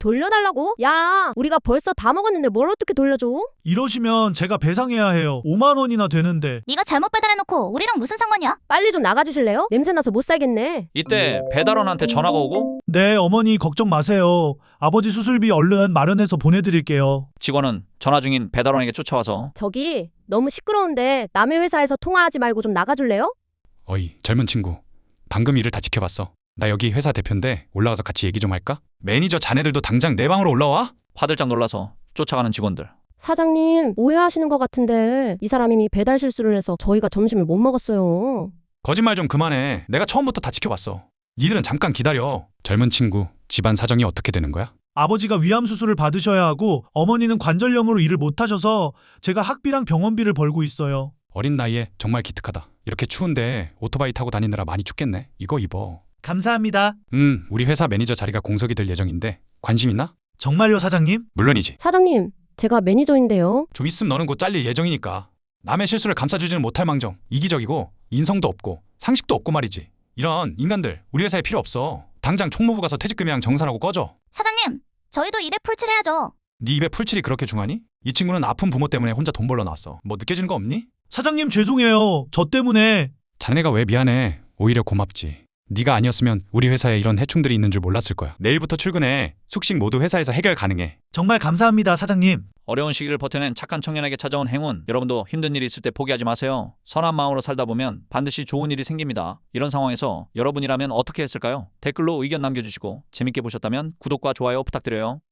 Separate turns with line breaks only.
돌려달라고? 야, 우리가 벌써 다 먹었는데 뭘 어떻게 돌려줘?
이러시면 제가 배상해야 해요. 5만 원이나 되는데.
네가 잘못 배달해놓고 우리랑 무슨 상관이야?
빨리 좀 나가주실래요? 냄새나서 못 살겠네.
이때 배달원한테 전화가 오고
네, 어머니 걱정 마세요. 아버지 수술비 얼른 마련해서 보내드릴게요.
직원은 전화 중인 배달원에게 쫓아와서
저기 너무 시끄러운데 남의 회사에서 통화하지 말고 좀 나가줄래요?
어이, 젊은 친구. 방금 일을 다 지켜봤어. 나 여기 회사 대표인데 올라가서 같이 얘기 좀 할까? 매니저 자네들도 당장 내 방으로 올라와?
화들짝 놀라서 쫓아가는 직원들.
사장님, 오해하시는 것 같은데 이 사람이 이미 배달 실수를 해서 저희가 점심을 못 먹었어요.
거짓말 좀 그만해. 내가 처음부터 다 지켜봤어. 니들은 잠깐 기다려. 젊은 친구, 집안 사정이 어떻게 되는 거야?
아버지가 위암 수술을 받으셔야 하고 어머니는 관절염으로 일을 못하셔서 제가 학비랑 병원비를 벌고 있어요.
어린 나이에 정말 기특하다. 이렇게 추운데 오토바이 타고 다니느라 많이 춥겠네. 이거 입어.
감사합니다.
우리 회사 매니저 자리가 공석이 될 예정인데 관심 있나?
정말요, 사장님?
물론이지.
사장님, 제가 매니저인데요.
좀 있으면 너는 곧 잘릴 예정이니까. 남의 실수를 감싸주지는 못할 망정 이기적이고 인성도 없고 상식도 없고 말이지. 이런 인간들 우리 회사에 필요 없어. 당장 총무부 가서 퇴직금이랑 정산하고 꺼져.
사장님, 저희도 일에 풀칠해야죠.
네 입에 풀칠이 그렇게 중하니? 이 친구는 아픈 부모 때문에 혼자 돈 벌러 나왔어. 뭐 느껴지는 거 없니?
사장님 죄송해요. 저 때문에.
자네가 왜 미안해. 오히려 고맙지. 네가 아니었으면 우리 회사에 이런 해충들이 있는 줄 몰랐을 거야. 내일부터 출근해. 숙식 모두 회사에서 해결 가능해.
정말 감사합니다, 사장님.
어려운 시기를 버텨낸 착한 청년에게 찾아온 행운. 여러분도 힘든 일이 있을 때 포기하지 마세요. 선한 마음으로 살다 보면 반드시 좋은 일이 생깁니다. 이런 상황에서 여러분이라면 어떻게 했을까요? 댓글로 의견 남겨주시고 재밌게 보셨다면 구독과 좋아요 부탁드려요.